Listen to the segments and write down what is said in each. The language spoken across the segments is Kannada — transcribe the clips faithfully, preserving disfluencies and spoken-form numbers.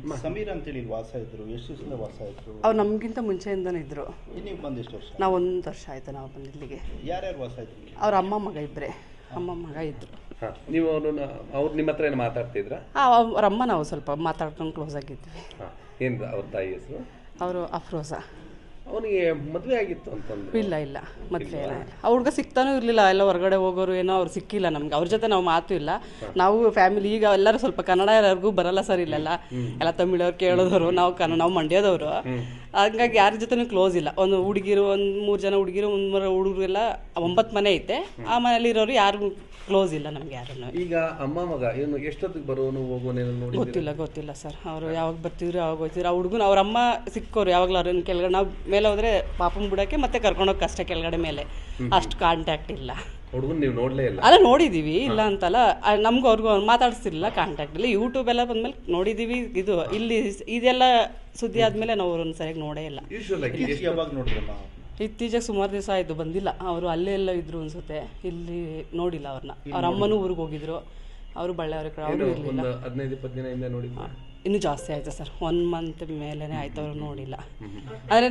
ಸಮೀರ್ ಅಂತೇಳಿ ಇಲ್ಲಿ ವಾಸ ಇದ್ರು, ಎಷ್ಟು ದಿವಸದಿಂದ ವಾಸ ಇದ್ರು? ಅವ್ರು ನಮಗಿಂತ ಮುಂಚೆಯಿಂದನೇ ಇದ್ದರು. ನೀವು ಬಂದು ಎಷ್ಟು ವರ್ಷ? ನಾವು ಒಂದು ವರ್ಷ ಆಯಿತು ನಾವು ಬಂದು ಇಲ್ಲಿಗೆ. ಯಾರ್ಯಾರು ವಾಸ ಇದ್ರು? ಅವ್ರ ಅಮ್ಮ ಮಗ ಇಬ್ಬರೇ, ಅಮ್ಮ ಮಗ ಇದ್ದರು. ನೀವು ಅವ್ರನ್ನ ಅವ್ರು ನಿಮ್ಮ ಹತ್ರ ಏನು ಮಾತಾಡ್ತಿದ್ರಾ? ಅವ್ರ ಅಮ್ಮ ನಾವು ಸ್ವಲ್ಪ ಮಾತಾಡ್ಕೊಂಡು ಕ್ಲೋಸ್ ಆಗಿದ್ವಿ. ಏನು ಅವ್ರ ತಾಯಿ ಹೆಸರು? ಅವರು ಅಫ್ರೋಜಾ. ಅವನಿಗೆ ಮದುವೆ ಆಗಿತ್ತು ಅಂತಂದ್ರೆ? ಇಲ್ಲ ಇಲ್ಲ ಮದುವೆ ಏನಿಲ್ಲ. ಆ ಹುಡುಗ ಸಿಗ್ತಾನೂ ಇರಲಿಲ್ಲ, ಎಲ್ಲ ಹೊರಗಡೆ ಹೋಗೋರು ಏನೋ ಅವ್ರು ಸಿಕ್ಕಿಲ್ಲ ನಮ್ಗೆ. ಅವ್ರ ಜೊತೆ ನಾವು ಮಾತು ಇಲ್ಲ. ನಾವು ಫ್ಯಾಮಿಲಿ ಈಗ ಎಲ್ಲರೂ ಸ್ವಲ್ಪ ಕನ್ನಡ ಯಾರಿಗೂ ಬರಲ್ಲ ಸರ್ ಇಲ್ಲೆಲ್ಲ, ಎಲ್ಲ ತಮಿಳವ್ರು ಕೇಳೋದವರು, ನಾವು ಕನ್ನಡ, ನಾವು ಮಂಡ್ಯದವರು. ಹಂಗಾಗಿ ಯಾರ ಜೊತೆನೂ ಕ್ಲೋಸ್ ಇಲ್ಲ. ಒಂದು ಹುಡುಗಿರು ಒಂದು ಮೂರು ಜನ ಹುಡುಗಿರು, ಒಂದು ಮೂರು ಹುಡುಗರು ಎಲ್ಲ ಒಂಬತ್ತು ಮನೆ ಐತೆ. ಆ ಮನೇಲಿ ಇರೋರು ಯಾರು ಕ್ಲೋಸ್ ಇಲ್ಲ ನಮ್ಗೆ ಯಾರನ್ನು. ಈಗ ಅಮ್ಮ ಮಗ ಏನು ಎಷ್ಟೊತ್ತಿಗೆ ಬರೋನು ಹೋಗೋನೇನು ನೋಡಿ? ಗೊತ್ತಿಲ್ಲ ಗೊತ್ತಿಲ್ಲ ಸರ್. ಅವರು ಯಾವಾಗ ಬರ್ತಿದ್ರು ಯಾವಾಗ ಹೋಗ್ತಿದ್ರು. ಆ ಹುಡುಗನ ಅವ್ರ ಅಮ್ಮ ಸಿಕ್ಕೋರು ಯಾವಾಗಲೂ ಅವ್ರನ್ನ ಕೆಳಗಡೆ ನಾವು ಮೇಲೆ ಹೋದ್ರೆ ಪಾಪನ್ ಬಿಡೋಕ್ಕೆ ಮತ್ತೆ ಕರ್ಕೊಂಡೋಗಿ ಅಷ್ಟೇ ಕೆಳಗಡೆ ಮೇಲೆ. ಅಷ್ಟು ಕಾಂಟ್ಯಾಕ್ಟ್ ಇಲ್ಲ. ಹುಡುಗನ್ ನೀವು ನೋಡಲೇ ಇಲ್ಲ? ಅಲ್ಲ ನೋಡಿದ್ದೀವಿ, ಇಲ್ಲ ಅಂತಲ್ಲ. ನಮ್ಗೂ ಅವ್ರಿಗೂ ಮಾತಾಡ್ತಿರ್ಲಿಲ್ಲ, ಕಾಂಟ್ಯಾಕ್ಟ್ ಇಲ್ಲ. ಯೂಟ್ಯೂಬ್ ಎಲ್ಲ ಬಂದ್ಮೇಲೆ ನೋಡಿದ್ದೀವಿ. ಇದು ಇಲ್ಲಿ ಇದೆಲ್ಲ ಸುದ್ದಿ ಆದಮೇಲೆ ನಾವು ಅವ್ರನ್ನ ಸರಿಯಾಗಿ ನೋಡೇ ಇಲ್ಲ. ಯಾವಾಗ ನೋಡಿದ್ರಮ್ಮ? ಇತ್ತೀಚೆಗೆ ಸುಮಾರು ದಿವಸ ಆಯಿತು ಬಂದಿಲ್ಲ. ಅವರು ಅಲ್ಲೇ ಎಲ್ಲ ಇದ್ರು ಅನ್ಸುತ್ತೆ, ಇಲ್ಲಿ ನೋಡಿಲ್ಲ ಅವ್ರನ್ನ. ಅವ್ರ ಅಮ್ಮನೂ ಊರಿಗೆ ಹೋಗಿದ್ರು, ಅವರು ಬಳ್ಳಾರಿ ಕಡೆ, ಅವರು ಇರಲಿಲ್ಲ. ಹದಿನೈದು ಇಪ್ಪತ್ತು ದಿನ ಹಿಂದೆ ನೋಡಿ? ಇನ್ನೂ ಜಾಸ್ತಿ ಆಯಿತು ಸರ್, ಒನ್ ಮಂತ್ ಮೇಲೇ ಆಯ್ತು ಅವ್ರು ನೋಡಿಲ್ಲ. ಆದರೆ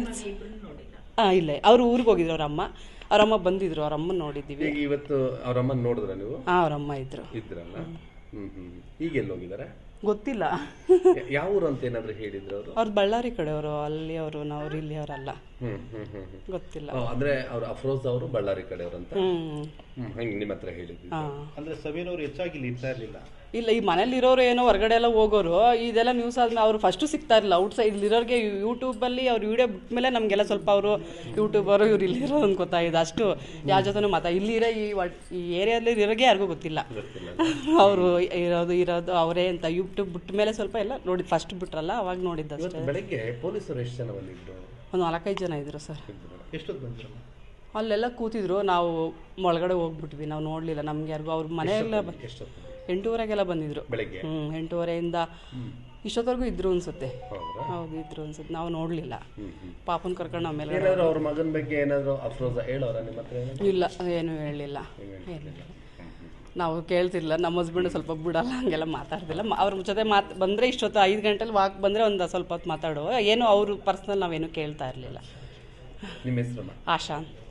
ಹಾಂ ಇಲ್ಲ, ಅವರು ಊರಿಗೆ ಹೋಗಿದ್ರು ಅವ್ರ ಅಮ್ಮ. ಅವ್ರಮ್ಮ ಬಂದಿದ್ರು, ಅವ್ರ ಅಮ್ಮನ ನೋಡಿದ್ದೀವಿ. ಈಗ ಇವತ್ತು ಅವ್ರ ಅಮ್ಮನ ನೋಡಿದ್ರ ನೀವು? ಹಾಂ ಅವ್ರ ಅಮ್ಮ ಇದ್ರು. ಇದ್ರಲ್ಲ. ಹ್ಮ್ ಹ್ಮ್ ಈಗ ಎಲ್ಲಿ ಹೋಗಿದ್ದಾರೆ ಗೊತ್ತಿಲ್ಲ. ಯಾವ ಊರು ಅಂತ ಏನಾದ್ರು ಹೇಳಿದ್ರು ಅವರು? ಅವ್ರು ಬಳ್ಳಾರಿ ಕಡೆಯವರು, ಅಲ್ಲಿ ಅವರು, ನಾವು ಇಲ್ಲಿ ಅವರಲ್ಲ. ಹ್ಮ್ ಹ್ಮ್ ಹ್ಮ್ ಗೊತ್ತಿಲ್ಲ. ಅಂದ್ರೆ ಅವ್ರು ಅಫ್ರೋಜ್ ಅವರು ಬಳ್ಳಾರಿ ಕಡೆಯವರು ಅಂತ ಹ್ಮ್ ಹಂಗೆ ನಿಮ್ಮ ಹತ್ರ ಹೇಳಿದ್ವಿ. ಅಂದ್ರೆ ಸಮೀರ್ ಅವರು ಹೆಚ್ಚಾಗಿ ಇಲ್ಲಿ ಇರ್ತಾ ಇರಲಿಲ್ಲ. ಇಲ್ಲ, ಈ ಮನೇಲಿ ಇರೋರು ಏನೋ ಹೊರಗಡೆ ಎಲ್ಲ ಹೋಗೋರು. ಇದೆಲ್ಲ ನ್ಯೂಸ್ ಆದ್ಮೇಲೆ ಅವ್ರು ಫಸ್ಟು ಸಿಗ್ತಾ ಇರಲಿಲ್ಲ. ಔಟ್ ಸೈಡ್ ಇಲ್ಲಿರೋರಿಗೆ ಯೂಟ್ಯೂಬಲ್ಲಿ ಅವ್ರು ವೀಡಿಯೋ ಬಿಟ್ಮೇಲೆ ನಮಗೆಲ್ಲ ಸ್ವಲ್ಪ ಅವರು ಯೂಟ್ಯೂಬರು ಇವ್ರು ಇಲ್ಲಿರೋದು ಅಂತ ಗೊತ್ತಾಗಿದೆ. ಅಷ್ಟು ಯಾರ ಜೊತೆ ಮಾತಾ ಇಲ್ಲಿರೋ ಈ ಈ ಏರಿಯಾದಲ್ಲಿ ಇರೋರಿಗೆ ಯಾರಿಗೂ ಗೊತ್ತಿಲ್ಲ ಅವರು ಇರೋದು ಇರೋದು ಅವರೇ ಅಂತ. ಯೂಟ್ಯೂಬ್ ಬಿಟ್ಟ ಮೇಲೆ ಸ್ವಲ್ಪ ಎಲ್ಲ ನೋಡಿ, ಫಸ್ಟ್ ಬಿಟ್ರಲ್ಲ ಅವಾಗ ನೋಡಿದ್ದು ಅಷ್ಟೇ. ಬೆಳಗ್ಗೆ ಪೊಲೀಸರು ಎಷ್ಟು ಜನ ಬಂದಿದ್ರು? ಒಂದು ನಾಲ್ಕೈದು ಜನ ಇದ್ರು ಸರ್. ಎಷ್ಟೊತ್ತು ಬಂದ್ರು? ಅಲ್ಲೆಲ್ಲ ಕೂತಿದ್ರು, ನಾವು ಒಳಗಡೆ ಹೋಗ್ಬಿಟ್ವಿ, ನಾವು ನೋಡಲಿಲ್ಲ. ನಮ್ಗೆ ಯಾರಿಗೂ ಅವ್ರ ಮನೆಯೆಲ್ಲ ಎಂಟೂವರೆಗೆಲ್ಲ ಬಂದಿದ್ರು. ಬೆಳಗ್ಗೆ ಹ್ಞೂ ಎಂಟೂವರೆಯಿಂದ ಇಷ್ಟೊತ್ತವರೆಗೂ ಇದ್ರು ಅನ್ಸುತ್ತೆ. ಹೌದು ಇದ್ರು ಅನ್ಸುತ್ತೆ, ನಾವು ನೋಡಲಿಲ್ಲ. ಪಾಪನ್ ಕರ್ಕೊಂಡು ಆಮೇಲೆ ಏನಾದ್ರು ಅವ್ರ ಮಗನ ಬಗ್ಗೆ ಏನಾದ್ರು ಅಫ್ರೋಜ ಹೇಳೋರ ನಿಮ್ಮ ಹತ್ರ? ಇಲ್ಲ, ಏನು ಹೇಳಲಿಲ್ಲ. ಏನಿಲ್ಲ, ನಾವು ಕೇಳ್ತಿರ್ಲಿಲ್ಲ. ನಮ್ಮ ಹಸ್ಬೆಂಡ್ ಸ್ವಲ್ಪ ಬಿಡಲ್ಲ, ಹಂಗೆಲ್ಲ ಮಾತಾಡ್ತಿಲ್ಲ. ಅವ್ರ ಜೊತೆ ಮಾತು ಬಂದರೆ ಇಷ್ಟೊತ್ತು ಐದು ಗಂಟೆಲಿ ವಾಕ್ ಬಂದರೆ ಒಂದು ಸ್ವಲ್ಪ ಹೊತ್ತು ಮಾತಾಡುವ, ಏನು ಅವರು ಪರ್ಸ್ನಲ್ ನಾವೇನು ಕೇಳ್ತಾ ಇರಲಿಲ್ಲ. ನಿಮ್ಮ ಹೆಸರು? ಆಶಾ.